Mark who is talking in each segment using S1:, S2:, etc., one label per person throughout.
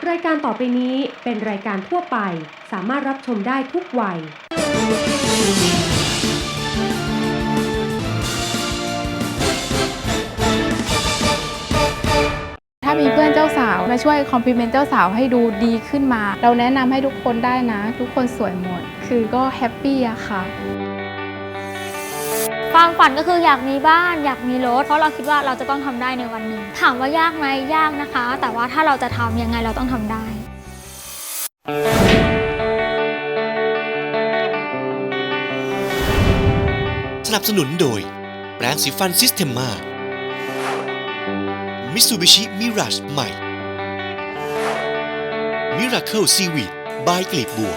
S1: รายการต่อไปนี้เป็นรายการทั่วไปสามารถรับชมได้ทุกวัย
S2: ถ้ามีเพื่อนเจ้าสาวมาช่วยคอมพลีเมนต์เจ้าสาวให้ดูดีขึ้นมาเราแนะนำให้ทุกคนได้นะทุกคนสวยหมดคือก็แฮปปี้อะค่ะ
S3: ความฝันก็คืออยากมีบ้านอยากมีรถเพราะเราคิดว่าเราจะต้องทำได้ในวันหนึ่งถามว่ายากไหมยากนะคะ แต่ว่าถ้าเราจะทำยังไงเราต้องทำได้
S4: สนับสนุนโดยแปรงสีฟันซิสเทมมามิตซูบิชิมิราชใหม่มิราเคิลซีวีดบายกลีบบัว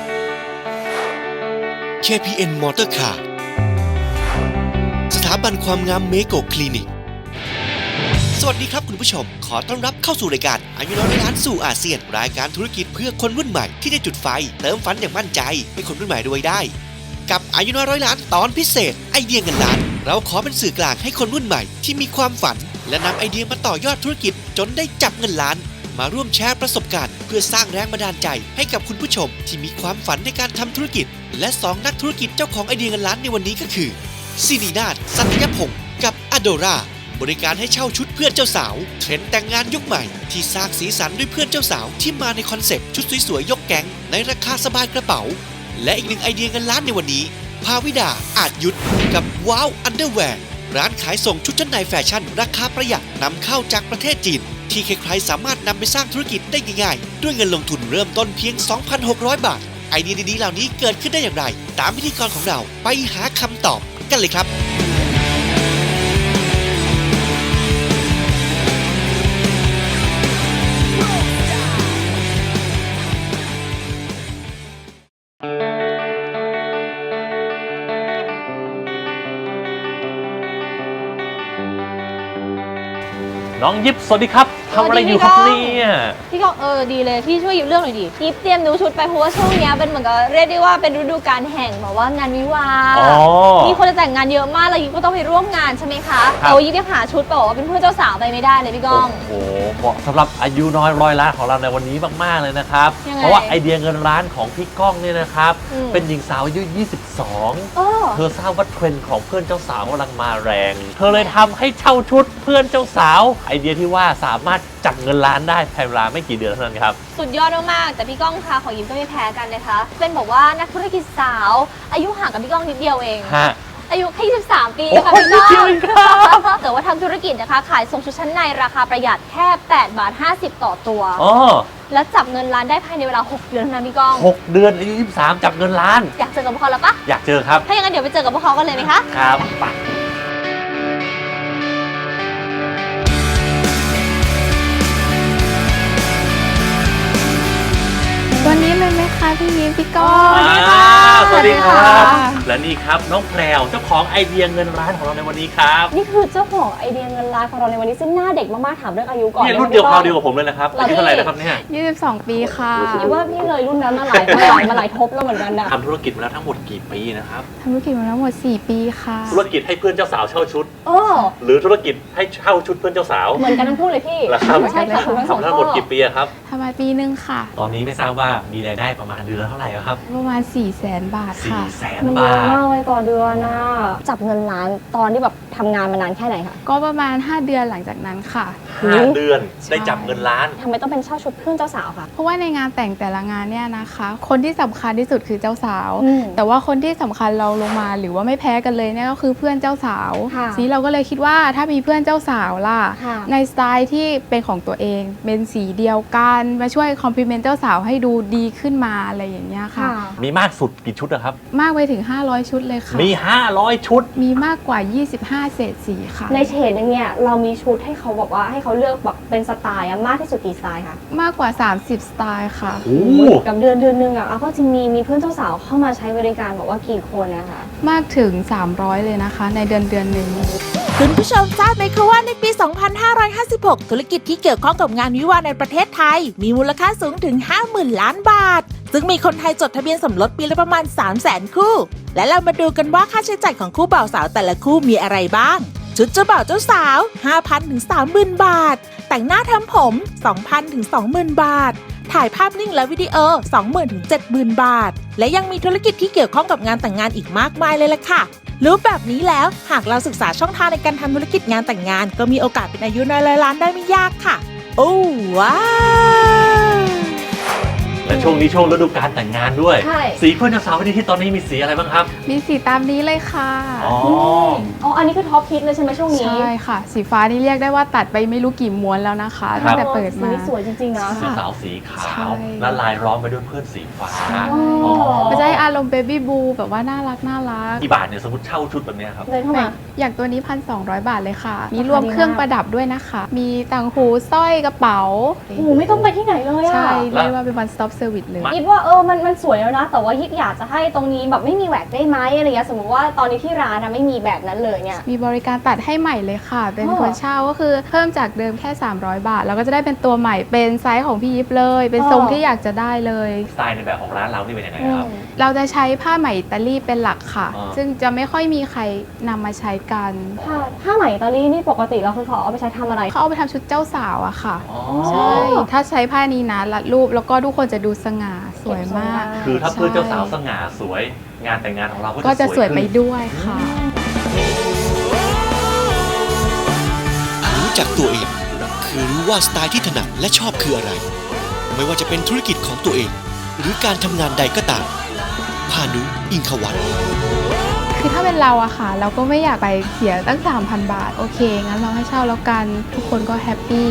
S4: KPN มอเตอร์คาร์สถาบันความงามเมโกคลินิกสวัสดีครับคุณผู้ชมขอต้อนรับเข้าสู่รายการอายุน้อยร้อยล้านสู่อาเซียนรายการธุรกิจเพื่อคนรุ่นใหม่ที่ได้จุดไฟเติมฝันอย่างมั่นใจให้คนรุ่นใหม่รวยได้กับอายุน้อยร้อยล้านตอนพิเศษไอเดียเงินล้านเราขอเป็นสื่อกลางให้คนรุ่นใหม่ที่มีความฝันและนำไอเดียมาต่อยอดธุรกิจจนได้จับเงินล้านมาร่วมแชร์ประสบการณ์เพื่อสร้างแรงบันดาลใจให้กับคุณผู้ชมที่มีความฝันในการทำธุรกิจและ2นักธุรกิจเจ้าของไอเดียเงินล้านในวันนี้ก็คือซินีนาถ สัตยพงศ์กับอโดราบริการให้เช่าชุดเพื่อนเจ้าสาวเทรนด์แต่งงานยุคใหม่ที่สร้างสีสันด้วยเพื่อนเจ้าสาวที่มาในคอนเซ็ปต์ชุดสวยๆยกแก๊งในราคาสบายกระเป๋าและอีกหนึ่งไอเดียเงินล้านในวันนี้ภาวิดาอาจยุทธกับว้าวอันเดอร์แวร์ร้านขายส่งชุดชั้นในแฟชั่นราคาประหยัดนำเข้าจากประเทศจีนที่ใครๆสามารถนำไปสร้างธุรกิจได้ง่ายๆด้วยเงินลงทุนเริ่มต้นเพียง 2,600 บาทไอเดียดีๆเหล่านี้เกิดขึ้นได้อย่างไรตามพิธีกรของเราไปหาคำตอบกันเลยครับ
S5: น้องยิปสวัสดีครับทำอะไรอยู่ครับเนี่ย
S6: พี่ก็ดีเลยพี่ช่วยหยิบเรื่องหน่อยดิยิปเตรียมดูชุดไปเพราะว่าช่วงนี้เป็นเหมือนกับเรียกได้ว่าเป็นฤดูกาลแห่งแบบว่างานวิวาห์มีคนจะแต่งงานเยอะมากแล้วยิปก็ต้องไปร่วมงานใช่ไหมคะยิปยังหาชุดบอกว่าเป็นเพื่อนเจ้าสาวไปไม่ได้เลยพี่ก้อง
S5: โอ้โหเหมาะสำหรับอายุน้อยร้อยล้านของเราในวันนี้มากๆเลยนะครับเพราะว่าไอเดียเงินล้านของพี่ก้องเนี่ยนะครับเป็นหญิงสาวอายุ22เธอทราบว่าเทรนด์ของเพื่อนเจ้าสาวกำลังมาแรงเธอเลยทำให้เช่าชุดเพื่อนเจ้าสาวไอเดียที่ว่าสามารถจับเงินล้านได้ภายในเวลาไม่กี่เดือนเท่านั้นครับ
S6: สุดยอดมากๆแต่พี่ก้องคะของยิมก็ไม่แพ้กันนะคะเป็นบอกว่านักธุรกิจสาวอายุห่างกับพี่ก้องนิดเดียวเองอายุแค่23 ปีค่ะพี่ก้องแต่ว่าทำธุรกิจนะคะขายส่งชุดชั้นในราคาประหยัดแค่8.50 ต่อตัวแล้วจับเงินล้านได้ภายในเวลา6 เดือนเท่านั้นพี่ก้อง
S5: 6 เดือนอายุ23จับเงินล้าน
S6: อยากเจอกับพวกเขาแล้วปะ
S5: อยากเจอครับ
S6: ถ้าอย่างนั้นเดี๋ยวไปเจอกับพวกเขากันเลยไหมคะ
S5: ครับไป
S2: วันนี้เลยไหมคะพี่ยิ้มพี่ก้อง
S5: สวัสดีครับและนี่ครับน้องแพรวเจ้าของไอเดียเงินล้านของเราในวันนี้ครับ
S6: นี่คือเจ้าของไอเดียเงินล้านของเราในวันนี้ซึ่งหน้าเด็กมากๆถามเรื่องอายุก่อน
S5: นี่รุ่นเดียวคราวเดียวกับผมเลยนะครับอายุเท่าไหร่นะครับเนี่ย
S2: 22 ปีค่ะ
S6: คิดว่าพี่เลยรุ่นนั้นมาหลายทบแล้วเหมือนกันนะ
S5: ทำธุรกิจมาแล้วทั้งหมดกี่ปีนะครับ
S2: ทำธุรกิจมาแล้วหมด4 ปีค่ะ
S5: ธุรกิจให้เพื่อนเจ้าสาวเช่าชุดหรือธุรกิจให้เช่าชุดเพื่อนเจ้าสาว
S6: เหมือนกันทั้งคู่เลยพี่
S5: ใช่ค่ะทำทั้งหมดกี่ปีครับ
S2: ทำมาปีนึงค่ะ
S5: ตอนนี้ไม่ทราบว่ามีรายได้ประมาณเดือนเท่าไหร่ครับ
S2: ประมาณ400,000 บาทค่ะ
S5: 400,000 บาท
S6: มากเลยต่อเดือนนะจับเงินล้านตอนที่แบบทำงานมานานแค่ไหนคะ
S2: ก็ประมาณ5 เดือนหลังจากนั้นค่ะ
S5: 5 เดือนได้จับเงินล้าน
S6: ทำไมต้องเป็นเช่าชุดเพื่อนเจ้าสาวคะ
S2: เพราะว่าในงานแต่งแต่ละงานเนี่ยนะคะคนที่สำคัญที่สุดคือเจ้าสาวแต่ว่าคนที่สำคัญเราลงมาหรือว่าไม่แพ้กันเลยเนี่ยก็คือเพื่อนเจ้าสาวทีเราก็เลยคิดว่าถ้ามีเพื่อนเจ้าสาวล่ะในสไตล์ที่เป็นของตัวเองเป็นสีเดียวกันมาช่วยคอมพลีเมนต์เจ้าสาวให้ดูดีขึ้นมาอะไรอย่างเงี้ยค่ะ
S5: มีมากสุดกี่ชุดนะครับ
S2: มากไปถึง500 ชุดเลยค่ะ
S5: มี500 ชุด
S2: มีมากกว่า25 เฉดสีค่ะ
S6: ในเฉดนึงเนี่ยเรามีชุดให้เขาบอกว่าให้เขาเลือกแบบเป็นสไตล์มากที่สุดกี่สไตล์คะ
S2: มากกว่า30 สไตล์ค่ะ
S6: กับเดือนนึงก็จริงมีเพื่อนเจ้าสาวเข้ามาใช้บริการบอกว่ากี่คนนะคะ
S2: มากถึง300เลยนะคะในเดือนนึง
S7: คุณผู้ชมทราบไหมคะว่าในปี 2556 ธุรกิจที่เกี่ยวข้องกับงานวิวาห์ในประเทศไทยมีมูลค่าสูงถึง 50,000 ล้านบาทซึ่งมีคนไทยจดทะเบียนสมรสปีละประมาณ 300,000 คู่และเรามาดูกันว่าค่าใช้จ่ายของคู่บ่าวสาวแต่ละคู่มีอะไรบ้างชุดเจ้าบ่าวเจ้าสาว 5,000 ถึง 30,000 บาทแต่งหน้าทำผม 2,000 ถึง 20,000 บาทถ่ายภาพนิ่งและวิดีโอ 20,000 ถึง 70,000 บาท และยังมีธุรกิจที่เกี่ยวข้องกับงานแต่งงานอีกมากมายเลยล่ะค่ะรู้แบบนี้แล้วหากเราศึกษาช่องทางในการทำธุรกิจงานแต่งงานก็มีโอกาสเป็นอายุน้อยร้อยล้านได้ไม่ยากค่ะโอ้ว้าว
S5: และช่วงนี้ช่วงฤดูกาลแต่งงานด้วย
S6: ใช่
S5: สีเพื่อนเจ้าสาววันนี้ที่ตอนนี้มีสีอะไรบ้างครับ
S2: มีสีตามนี้เลยค่ะ
S5: อ๋อ
S6: อันนี้คือท็อปฮิตเลยใช่ไหมช่วงนี้
S2: ใช่ค่ะ สีฟ้านี่เรียกได้ว่าตัดไปไม่รู้กี่ม้วนแล้วนะคะตั้งแต่เปิดมา
S6: สีสวยจริงๆนะ
S5: สีขาวสีขา
S2: ใช่
S5: วและลายล้อมไปด้วยเพื่อนสีฟ้า
S2: มันจะให้อารมณ์เบบี้บูแบบว่าน่ารัก
S5: กี่บาทเนี่ยสมมติเช่าชุดแบบนี้ครับ
S6: เลยเข้ามา
S2: อย่างตัวนี้ 1,200 บาทเลยค่ะ มีรวมเครื่องประดับด้วยนะคะ มีต่างหูสร้อยกระเป๋า
S6: โอ้โหไม่ต้องไปที่ไหนเลยอะ
S2: ใช่เรียกว่าเป็น one stop service เลย
S6: ยิบว่ามันสวยแล้วนะแต่ว่ายิบอยากจะให้ตรงนี้แบบไม่มีแหวกได้ไหมอะไรเงี้ยสมมติว่าตอนนี้ที่ร้านนะไม่มีแบบนั้นเลยเนี่ย
S2: มีบริการตัดให้ใหม่เลยค่ะ เป็นคนเช่าก็คือเพิ่มจากเดิมแค่300 บาทแล้วก็จะได้เป็นตัวใหม่เป็นไซส์ของพี่ยิปเลย เป็นทรงที่อยากจะได้เลย
S5: สไตล์ในแบบของร้านเรานี่เป็นยังไงครับ
S2: เราจะใช้ผ้าไหมอิตาลีเป็นหลักค่ะ ซึ่งจะไม่ค่อยมีใครนำมาใช้กัน
S6: ผ้าไหมอิตาลีนี่ปกติเราคือเขาเอาไปใช้ทำอะไร
S2: เขาเอาไปทำชุดเจ้าสาวอะค่ะ
S5: อ๋อ
S2: ใช่ถ้าใช้ผ้านี้นะรัดรูปแล้วก็ทุกคนจะดูสง่าสวยมาก
S5: คือถ้าเพื่อนเจ้าสาวสง่าสวยงานแต่งงานของเรา
S2: ก็
S5: ก็
S2: จะ
S5: จะ
S2: สวยไปด้วยค่ะ
S4: รู้จักตัวเองคือรู้ว่าสไตล์ที่ถนัดและชอบคืออะไร ไม่ว่าจะเป็นธุรกิจของตัวเอง หรือการทำงานใดก็ตามพานุ อิงควัฒน์
S2: คือถ้าเป็นเราอะค่ะ เราก็ไม่อยากไปเสียตั้ง 3,000 บาท โอเค งั้นเราให้เช่าแล้วกัน ทุกคนก็แฮปปี้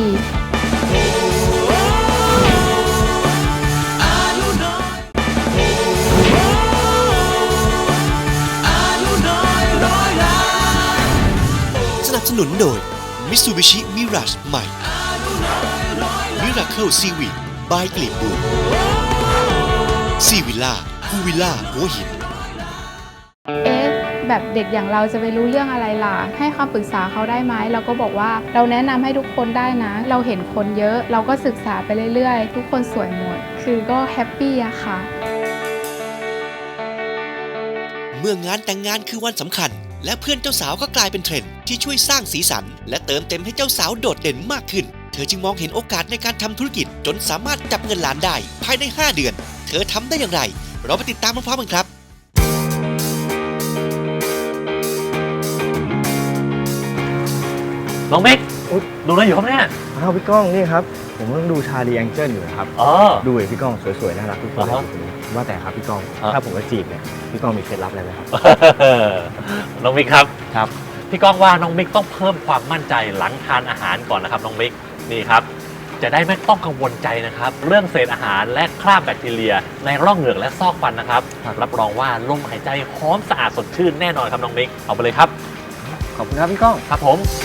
S4: สนับสนุนโดย Mitsubishi Mirage ใหม่ Miracle Seaweed by กลีบบัวซีวิลล่าพูวิลล่าหัวหิน
S2: แบบเด็กอย่างเราจะไปรู้เรื่องอะไรล่ะ ให้คำปรึกษาเขาได้ไหม เราก็บอกว่าเราแนะนำให้ทุกคนได้นะ เราเห็นคนเยอะ เราก็ศึกษาไปเรื่อยๆ ทุกคนสวยหมด คือก็แฮปปี้อะค่ะ
S4: เมื่องานแต่งงานคือวันสำคัญ และเพื่อนเจ้าสาวก็กลายเป็นเทรนด์ที่ช่วยสร้างสีสัน และเติมเต็มให้เจ้าสาวโดดเด่นมากขึ้น เธอจึงมองเห็นโอกาสในการทำธุรกิจจนสามารถจับเงินล้านได้ภายใน 5 เดือน เธอทำได้อย่างไร เราไปติดตามพร้อมๆกันครับ
S5: น้องเมกดูอะไรอยู่ครับเนี่ย
S8: อ้าวพี่ก้องนี่ครับผมกำลังดูชาลีแองเจิลอยู่นะครับ
S5: อ๋อ
S8: ดูเลยพี่ก้องสวยๆน่ารักทุกคนเลย
S5: อ่าฮะ
S8: ว่าแต่ครับพี่ก้อง
S5: อ่า
S8: ถ้าผมจะจีบเนี่ยพี่ก้องมีเคล็ดลับอะไรไหมครับ
S5: น้องมิกครับ
S8: ครับ
S5: พี่ก้องว่าน้องมิกต้องเพิ่มความมั่นใจหลังทานอาหารก่อนนะครับน้องมิกนี่ครับจะได้ไม่ต้องกังวลใจนะครับเรื่องเศษอาหารและคราบแบคทีเรีย ในร่องเหงือกและซอกฟันนะครับรับรองว่าลมหายใจหอมสะอาดสดชื่นแน่นอนครับน้องมิกเอาไปเลยครับ
S8: ขอบคุณครับพี่ก้อง
S5: ครับผม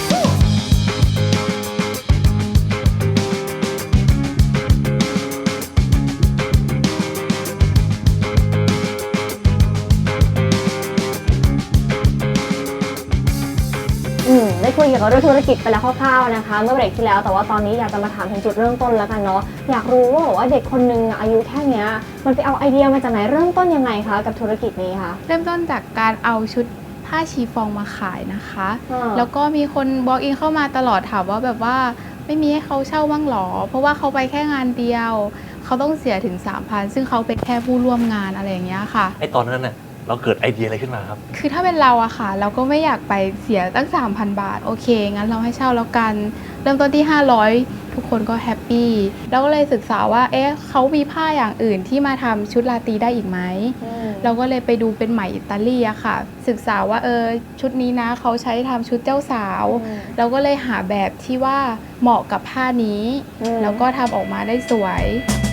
S6: ได้คุยเกี่ยวกับเรื่องธุรกิจไปแล้วคร่าวๆนะคะเมื่อเบรกที่แล้วแต่ว่าตอนนี้อยากจะมาถามถึงจุดเริ่มต้นแล้วกันเนาะอยากรู้ว่าเด็กคนนึงอายุแค่เนี้ยมันไปเอาไอเดียมาจากไหนเริ่มต้นยังไงคะกับธุรกิจนี้คะ
S2: เริ่มต้นจากการเอาชุดผ้าชีฟองมาขายนะคะ แล้วก็มีคนบล็อกอินเข้ามาตลอดถามว่าแบบว่าไม่มีให้เขาเช่าบ้างหรอ เพราะว่าเขาไปแค่งานเดียว เขาต้องเสียถึง 3,000 ซึ่งเขาเป็นแค่ผู้ร่วมงานอะไรอย่างเงี้ยค่ะ
S5: ไอตอนนั้นน่ะเราเกิดไอเดียอะไรขึ้นมาครับ
S2: คือถ้าเป็นเราอะค่ะ เราก็ไม่อยากไปเสียตั้ง 3,000 บาท โอเค งั้นเราให้เช่าแล้วกัน เริ่มต้นที่ 500 ทุกคนก็แฮปปี้เราก็เลยศึกษาว่าเขามีผ้าอย่างอื่นที่มาทำชุดราตรีได้อีกไหม เราก็เลยไปดูเป็นไหมอิตาลีอะค่ะ ศึกษาว่าชุดนี้นะเขาใช้ทำชุดเจ้าสาวเราก็เลยหาแบบที่ว่าเหมาะกับผ้านี้ แล้วก็ทำออกมาได้สวย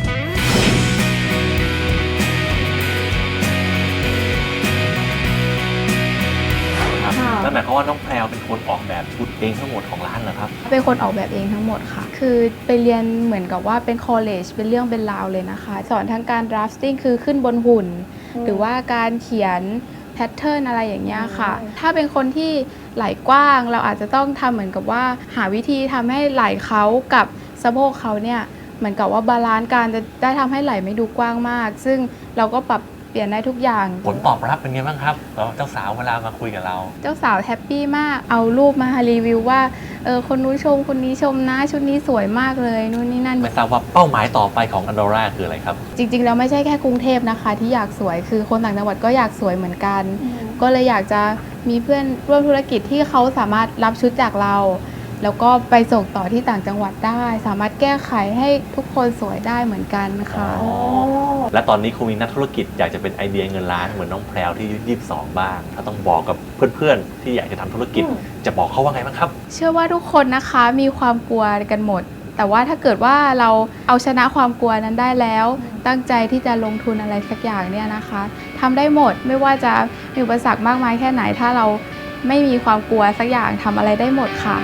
S5: นั่นหมายความว่าน้องแพรวเป็นคนออกแบบชุดเองทั้งหมดของร้านเหรอครับ
S2: เป็นคนออกแบบเองทั้งหมดค่ะ คือไปเรียนเหมือนกับว่าเป็นคอลเลจเป็นเรื่องเป็นราวเลยนะคะ สอนทั้งการ drafting คือขึ้นบนหุ่น หรือว่าการเขียนแพทเทิร์นอะไรอย่างเงี้ยค่ะ ถ้าเป็นคนที่ไหล่กว้างเราอาจจะต้องทำเหมือนกับว่าหาวิธีทำให้ไหล่เขากับสะโพกเขาเนี่ยเหมือนกับว่าบาลานซ์การจะได้ทำให้ไหล่ไม่ดูกว้างมาก ซึ่งเราก็ปรับเปลี่ยนได้ทุกอย่าง
S5: ผลตอบรับเป็นไงบ้างครับเจ้าสาวเวลามาคุยกับเรา
S2: เจ้าสาวแฮปปี้มากเอารูปมารีวิวว่าคนนู้นชมคนนี้ชมนะชุดนี้สวยมากเลยนู่นนี่นั่น
S5: ไม่ทราบว่าเป้าหมายต่อไปของ Andorra คืออะไรครับ
S2: จริงๆแล้วไม่ใช่แค่กรุงเทพนะคะที่อยากสวยคือคนต่างจังหวัดก็อยากสวยเหมือนกัน ก็เลยอยากจะมีเพื่อนร่วมธุรกิจที่เขาสามารถรับชุดจากเรา แล้วก็ไปส่งต่อที่ต่างจังหวัดได้ สามารถแก้ไขให้ทุกคนสวยได้เหมือนกันค่ะ
S5: และตอนนี้คงมีนักธุรกิจอยากจะเป็นไอเดียเงินล้านเหมือนน้องแพรวที่อายุ22บ้างถ้าต้องบอกกับเพื่อนๆที่อยากจะทำธุรกิจจะบอกเขาว่าไงบ้างครับ
S2: เชื่อว่าทุกคนนะคะมีความกลัวกันหมด แต่ว่าถ้าเกิดว่าเราเอาชนะความกลัวนั้นได้แล้ว ตั้งใจที่จะลงทุนอะไรสักอย่างเนี่ยนะคะทำได้หมดไม่ว่าจะมีอุปสรรคมากมายแค่ไหนถ้าเราไม่มีความกลัวสักอย่างทำอะไรได้หมดค่ะ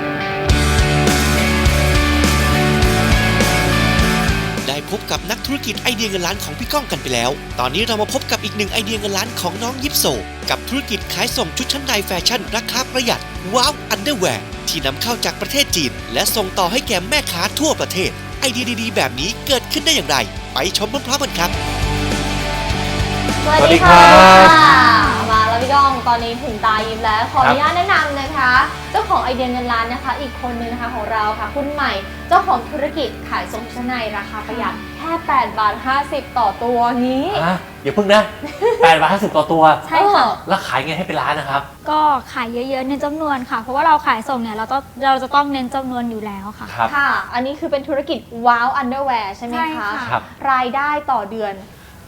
S4: ได้พบกับนักธุรกิจไอเดียเงินล้านของพี่ก้องกันไปแล้ว ตอนนี้เรามาพบกับอีกหนึ่งไอเดียเงินล้านของน้องยิปโซกับธุรกิจขายส่งชุดชั้นในแฟชั่นราคาประหยัดว้าวอันเดอร์แวร์ที่นำเข้าจากประเทศจีนและส่งต่อให้แก่แม่ค้าทั่วประเทศไอเดียดีๆแบบนี้เกิดขึ้นได้อย่างไรไปชมพร้อมๆกันครับ
S6: สวัสดีค่ะมาแล้วพี่ก้องตอนนี้ถึงตายิ้มแล้วขออนุญาตแนะนำนะคะเจ้าของไอเดียเงินล้านนะคะอีกคนนึงนะคะของเราค่ะคุณใหม่เจ้าของธุรกิจขายส่งชั้นในราคาประหยัดแค่8 บาท 50ต่อตัวนี้
S5: อย่าพึ่งนะ8 บาท 50ต่อตัว
S3: ใช่ค่ะ
S5: แล้วขายไงให้เป็นล้านนะครับ
S3: ก็ขายเยอะๆเน้นจำนวนค่ะเพราะว่าเราขายส่งเนี่ยเราจะต้องเน้นจำนวนอยู่แล้วค่ะ
S6: ค่ะอันนี้คือเป็นธุรกิจว้าวอันเดอร์แวร์ใช่ไหมคะรายได้ต่อเดือน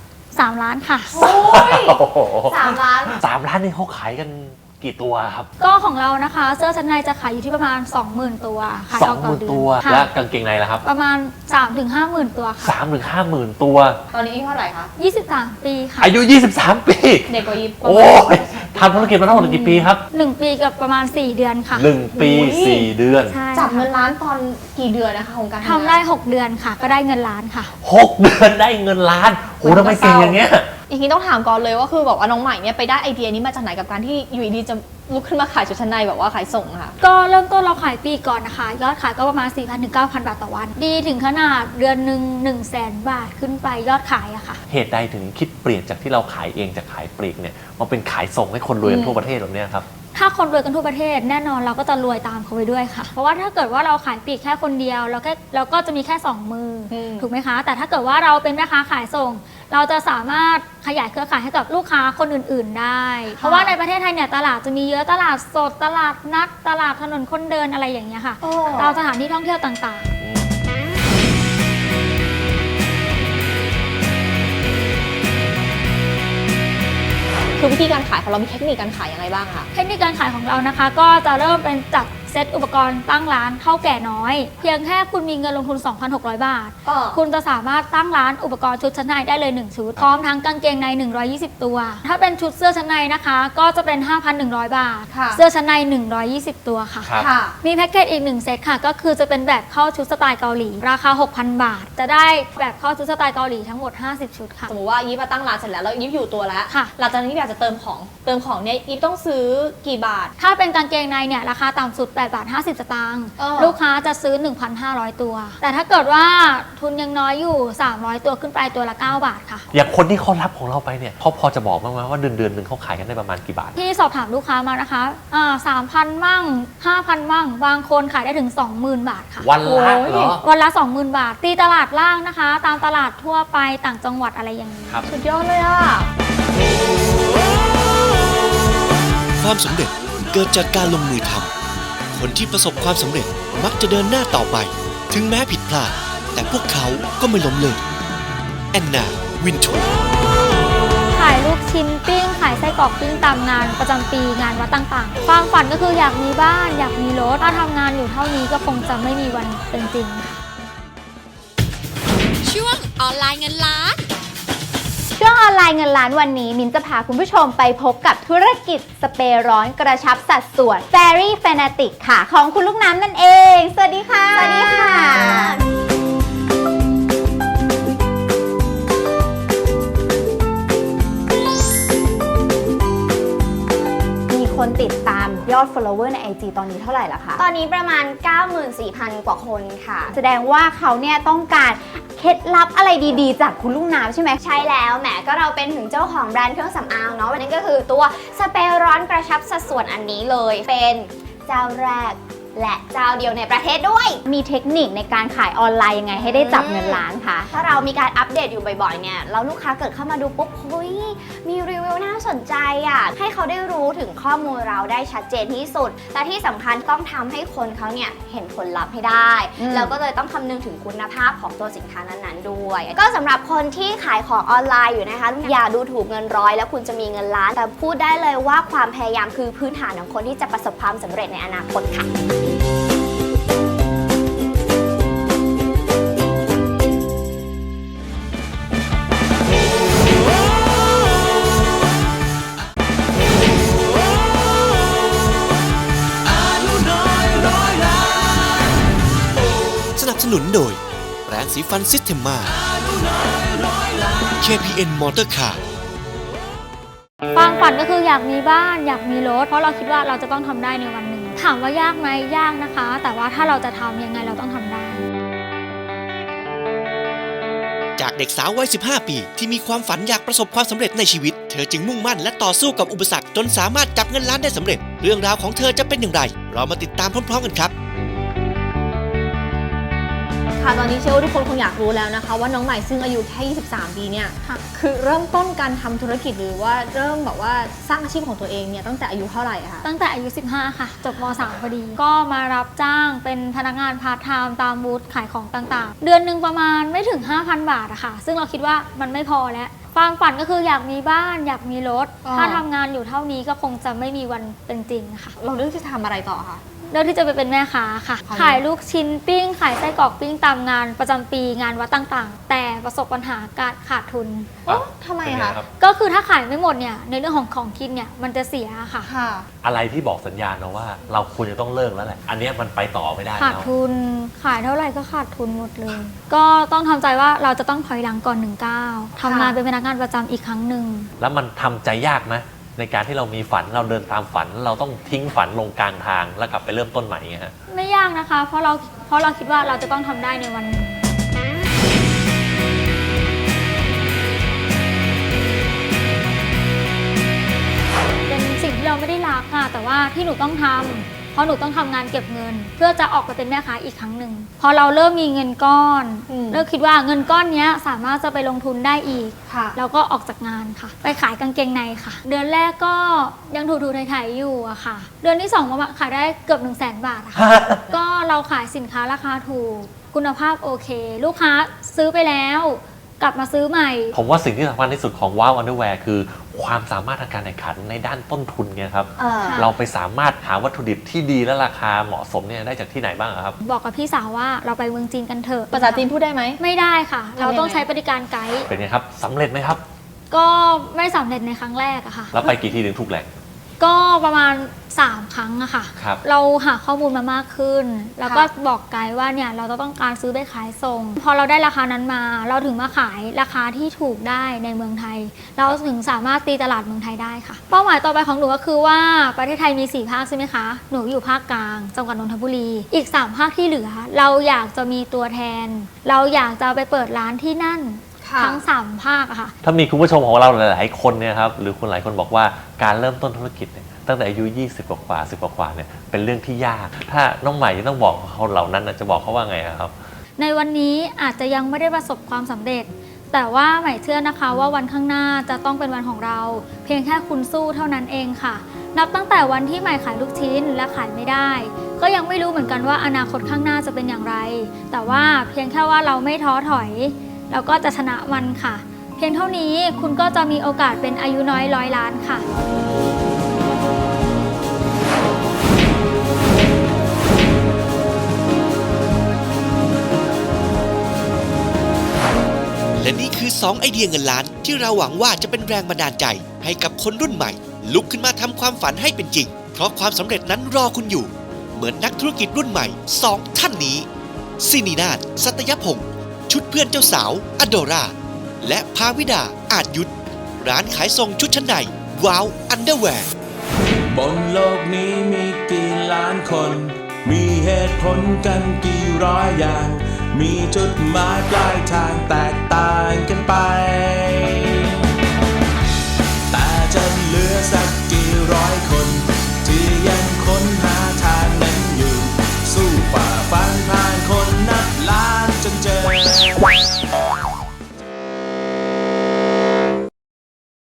S3: 3 ล้านค่ะ
S6: โอ้ย3 ล้าน
S5: 3 ล้านนี่เขาขายกันกี่ตัวครับ
S3: ก็ของเรานะคะเสื้อชั้นในจะขายอยู่ที่ประมาณ 20,000 ตัวขายออกต่อเดือน
S5: ตัวและกางเกงในล่ะครับ
S3: ประมาณ 3-50,000 ตัวค่ะ
S5: 3-50,000 ตัว
S6: ตอนนี้อายุเท่าไหร่คะ
S3: 23 ปีค่ะ
S5: อายุ23 ปี
S6: เด็กกว่ายิป
S5: โอ้ยทำธุรกิจมาทั้งหมดกี่ปีครับ
S3: 1 ปีกับประมาณ4 เดือนค่ะ
S5: 1 ปี 4 เดือน
S6: จับเงินล้านตอนกี่เดือนนะคะของการ
S3: ทำได้6 เดือนค่ะก็ได้เงินล้านค่ะ
S5: 6 เดือนได้เงินล้านโอ้ทำไมเก่งอย่างเงี้ย
S6: อีกทีต้องถามก่อนเลยว่าคือแบบว่าน้องใหม่เนี่ยไปได้ไอเดียนี้มาจากไหนกับการที่อยู่ดีจะลุกขึ้นมาขายชุดชั้นในแบบว่าขายส่งค่ะ
S3: ก็เริ่มต้นเราขายปีก่อนนะคะยอดขายก็ประมาณ 4,000 ถึง 9,000 บาทต่อวันดีถึงขนาดเดือนหนึ่ง100,000 บาทขึ้นไปยอดขายอะค่ะ
S5: เหตุใดถึงคิดเปลี่ยนจากที่เราขายเองจากขายปลีกเนี่ยมาเป็นขายส่งให้คนรวยทั่วประเทศแบบนี้ครับ
S3: ถ้าคนรวยกันทั่วประเทศแน่นอนเราก็จะรวยตามเขาไปด้วยค่ะเพราะว่าถ้าเกิดว่าเราขายปลีกแค่คนเดียวเราก็จะมีแค่2 มือถูกไหมคะแต่ถ้าเกิดว่าเราเป็นแม่ค้าขายส่งเราจะสามารถขยายเครือข่ายให้กับลูกค้าคนอื่นๆได้เพราะว่าในประเทศไทยเนี่ยตลาดจะมีเยอะตลาดสดตลาดนัดตลาดถนนคนเดินอะไรอย่างเงี้ยค่ะตามสถานที่ท่องเที่ยวต่างๆ
S6: คือวิธีการขายของเรามีเทคนิคการขายยังไงบ้างคะ
S3: เทคนิคการขายของเรานะคะก็จะเริ่มเป็นจากเซตอุปกรณ์ตั้งร้านเท่าแก่น้อยเพียงแค่คุณมีเงินลงทุน 2,600 บาทคุณจะสามารถตั้งร้านอุปกรณ์ชุดชั้นในได้เลย1ชุดพร้อมทั้งกางเกงใน120ตัวถ้าเป็นชุดเสื้อชั้นในนะคะก็จะเป็น 5,100 บาทเสื้อชั้นใน120ตัวค่ะมีแพ็กเกจอีก1เซตค่ะก็คือจะเป็นแบบเข้าชุดสไตล์เกาหลีราคา 6,000 บาทจะได้แบบเข้าชุดสไตล์เกาหลีทั้งหมด50ชุดค่ะ
S6: สมมติว่ายิปมาตั้งร้านเสร็จแล้วยิปอยู่ตัวแล้วหลังจากนั้นยิปอยากจะเติมของเนี่ยยิปต้องซื้อกี่บาท
S3: ถ้าเป็นกางเกงในเนี่ยราคาต่ำสุด8 บาท 50 สตางค์ลูกค้าจะซื้อ 1,500 ตัวแต่ถ้าเกิดว่าทุนยังน้อยอยู่300ตัวขึ้นไปตัวละ9 บาทค่ะ
S5: อย่างคนที่เขารับของเราไปเนี่ยเขาพอจะบอกบ้างไหมว่าเดือนนึงเขาขายกันได้ประมาณกี่บาท
S3: ที่สอบถามลูกค้ามานะคะ3,000 มั่ง 5,000 มั่งบางคนขายได้ถึง 20,000 บาทค่ะ
S5: วันละเหรอ
S3: วันละ 20,000 บาทตีตลาดล่างนะคะตามตลาดทั่วไปต่างจังหวัดอะไรอย่างนี้
S6: สุดยอดเลยอ่ะ
S4: ความสำเร็จเกิดจากการลงมือทำคนที่ประสบความสำเร็จมักจะเดินหน้าต่อไปถึงแม้ผิดพลาดแต่พวกเขาก็ไม่ล้มเลิกแอนนา วินทู
S3: ขายลูกชิ้นปิ้งขายไส้กรอกปิ้งตามงานประจำปีงานวัดต่างๆความฝันก็คืออยากมีบ้านอยากมีรถถ้าทำงานอยู่เท่านี้ก็คงจะไม่มีวันเป็นจริงค่ะ
S9: ช่วงออนไลน์เงินล้าน
S10: ช่วงออนไลน์เงินล้านวันนี้มิ้นจะพาคุณผู้ชมไปพบกับธุรกิจสเปรย์ร้อนกระชับสัดส่วน Fairy Fanatic ค่ะของคุณลูกน้ำนั่นเองสวัสดีค่ะสวัสดีค่ะคนติดตามยอด follower ใน IG ตอนนี้เท่าไหร่ล่ะคะ
S11: ตอนนี้ประมาณ 94,000 กว่าคนค่ะ
S10: แสดงว่าเขาเนี่ยต้องการเคล็ดลับอะไรดีๆจากคุณลูกน้ำใช่ไหม
S6: ใช่แล้วแหมก็เราเป็นถึงเจ้าของแบรนด์เครื่องสำอางเนาะวันนี้ก็คือตัวสเปรย์ร้อนกระชับสัดส่วนอันนี้เลยเป็นเจ้าแรกและเจ้าเดียวในประเทศด้วย
S10: มีเทคนิคในการขายออนไลน์ยังไงให้ได้จับเงินล้านคะ
S6: ถ้าเรามีการอัปเดตอยู่บ่อยๆเนี่ยแล้วลูกค้าเกิดเข้ามาดูปุ๊บเฮ้ยมีรีวิวน่าสนใจอ่ะให้เขาได้รู้ถึงข้อมูลเราได้ชัดเจนที่สุดและที่สำคัญต้องทำให้คนเขาเนี่ยเห็นผลลัพธ์ให้ได้แล้วก็เลยต้องคำนึงถึงคุณภาพของตัวสินค้านั้นๆด้วยก็สำหรับคนที่ขายของออนไลน์อยู่นะคะอย่าดูถูกเงินร้อยแล้วคุณจะมีเงินล้านแต่พูดได้เลยว่าความพยายามคือพื้นฐานของคนที่จะประสบความสำเร็จในอนาคตค่ะ
S4: สนับสนุนโดยแปรงสีฟันซิสเทมมา KPN มอเตอร์คาร์
S3: ความฝันก็คืออยากมีบ้านอยากมีรถเพราะเราคิดว่าเราจะต้องทำได้ในวันหนึ่งถามว่ายากไหมยากนะคะ แต่ว่าถ้าเราจะทำยังไงเราต้องทำได้
S4: จากเด็กสาววัย 15 ปีที่มีความฝันอยากประสบความสำเร็จในชีวิตเธอจึงมุ่งมั่นและต่อสู้กับอุปสรรคจนสามารถจับเงินล้านได้สำเร็จเรื่องราวของเธอจะเป็นอย่างไรเรามาติดตามพร้อมๆกันครับ
S6: ค่ะตอนนี้เชื่อว่าทุกคนคงอยากรู้แล้วนะคะว่าน้องใหม่ซึ่งอายุแค่23 ปีเนี่ยคือเริ่มต้นการทำธุรกิจหรือว่าเริ่มแบบว่าสร้างอาชีพของตัวเองเนี่ยตั้งแต่อายุเท่าไหร่คะ
S3: ตั้งแต่อายุ 15 ค่ะจบม.3 พอดีก็มารับจ้างเป็นพนักงานพาร์ทไทม์ตามบูธขายของต่างๆเดือนหนึ่งประมาณไม่ถึง 5,000 บาทอะค่ะซึ่งเราคิดว่ามันไม่พอแล้วความฝันก็คืออยากมีบ้านอยากมีรถถ้าทำงานอยู่เท่านี้ก็คงจะไม่มีวันเป็นจริงค่ะ
S6: เราเลือกจะทำอะไรต่อคะ
S3: เลือกที่จะไปเป็นแม่ค้าค่ะขายลูกชิ้นปิ้งขายไส้กรอกปิ้งตามงานประจำปีงานวัดต่างๆแต่ประสบปัญหาการขาดทุน
S6: ทำไมคะ
S3: ก็คือถ้าขายไม่หมดเนี่ยในเรื่องของกินเนี่ยมันจะเสียค่ะ
S5: อะไรที่บอกสัญญาณนะว่าเราควรจะต้องเลิกแล้วแหละอันนี้มันไปต่อไม่ได้
S3: ขาดทุนขายเท่าไหร่ก็ขาดทุนหมดเลยก็ต้องทำใจว่าเราจะต้องถอยหลังก่อน19ทำงานเป็นพนักงานประจำอีกครั้งหนึ่ง
S5: แล้วมันทำใจยากไหมในการที่เรามีฝันเราเดินตามฝันเราต้องทิ้งฝันลงกลางทางแล้วกลับไปเริ่มต้นใหม่ไงฮะ
S3: ไม่ยากนะคะเพราะเราคิดว่าเราจะต้องทำได้ในวันหนึ่งเป็นสิ่งที่เราไม่ได้รักค่ะแต่ว่าที่หนูต้องทำเพราะหนูต้องทำงานเก็บเงินเพื่อจะออกไปเป็นแม่ค้าอีกครั้งหนึ่งพอเราเริ่มมีเงินก้อนเริ่มคิดว่าเงินก้อนนี้สามารถจะไปลงทุนได้อีกแล้วก็ออกจากงานค่ะไปขายกางเกงในค่ะเดือนแรกก็ยังถูๆไถๆอยู่อะค่ะเดือนที่2มาขายได้เกือบ 100,000 บาทค่ะก็เราขายสินค้าราคาถูกคุณภาพโอเคลูกค้าซื้อไปแล้วกลับมาซื้อใหม่
S5: ผมว่าสิ่งที่สำคัญที่สุดของว้าวอันเดอร์แวร์คือความสามารถทางการแข่งขันในด้านต้นทุนไงครับเราไปสามารถหาวัตถุดิบที่ดีและราคาเหมาะสมเนี่ยได้จากที่ไหนบ้างครับ
S3: บอกกับพี่สาวว่าเราไปเมืองจีนกันเถอะ
S6: ภาษาจีนพูดได้ไหม
S3: ไม่ได้ค่ะเราต้องใช้บริการไกด์
S5: เป็นไงครับสำเร็จไหมครับ
S3: ก็ไม่สำเร็จในครั้งแรกอะค่ะ
S5: แล้วไปกี่ที่ถึงถูกแหล่ง
S3: ก็ประมาณ3 ครั้งอะค่ะเราหาข้อมูลมามากขึ้นแล้วก็บอกไกด์ว่าเนี่ยเราต้องการซื้อไปขายส่งพอเราได้ราคานั้นมาเราถึงมาขายราคาที่ถูกได้ในเมืองไทยเราถึงสามารถตีตลาดเมืองไทยได้ค่ะเป้าหมายต่อไปของหนูก็คือว่าประเทศไทยมี4 ภาคใช่ไหมคะหนูอยู่ภาคกลางจังหวัดนนทบุรีอีก3 ภาคที่เหลือเราอยากจะมีตัวแทนเราอยากจะไปเปิดร้านที่นั่นทั้ง3 ภาคอะค่ะ
S5: ถ้ามีคุณผู้ชมของเราหลายๆคนเนี่ยครับหรือคนหลายคนบอกว่าการเริ่มต้นธุรกิจเนี่ยตั้งแต่อายุ20 กว่า10 กว่าเนี่ยเป็นเรื่องที่ยากถ้าน้องใหม่จะต้องบอกเขาเหล่านั้นจะบอกเขาว่าไงครับ
S3: ในวันนี้อาจจะยังไม่ได้ประสบความสำเร็จแต่ว่าใหม่เชื่อนะคะว่าวันข้างหน้าจะต้องเป็นวันของเราเพียงแค่คุณสู้เท่านั้นเองค่ะนับตั้งแต่วันที่ใหม่ขายลูกชิ้นและขายไม่ได้ก็ยังไม่รู้เหมือนกันว่าอนาคตข้างหน้าจะเป็นอย่างไรแต่ว่าเพียงแค่ว่าเราไม่ท้อถอยเราก็จะชนะมันค่ะเพียงเท่านี้คุณก็จะมีโอกาสเป็นอายุน้อย100 ล้านค่ะ
S4: และนี่คือ2 ไอเดียเงินล้านที่เราหวังว่าจะเป็นแรงบันดาลใจให้กับคนรุ่นใหม่ลุกขึ้นมาทำความฝันให้เป็นจริงเพราะความสำเร็จนั้นรอคุณอยู่เหมือนนักธุรกิจรุ่นใหม่2 ท่านนี้ซินีนาถ สัตยพงศ์ชุดเพื่อนเจ้าสาวอโดราและภาวิดาอาจยุทธร้านขายส่งชุดชั้นในว้าวอันเดอร์แวร์
S11: บนโลกนี้มีกี่ล้านคนมีเหตุผลกันกี่ร้อยอย่างมีจุดหมายปลายทางแตกต่างกัน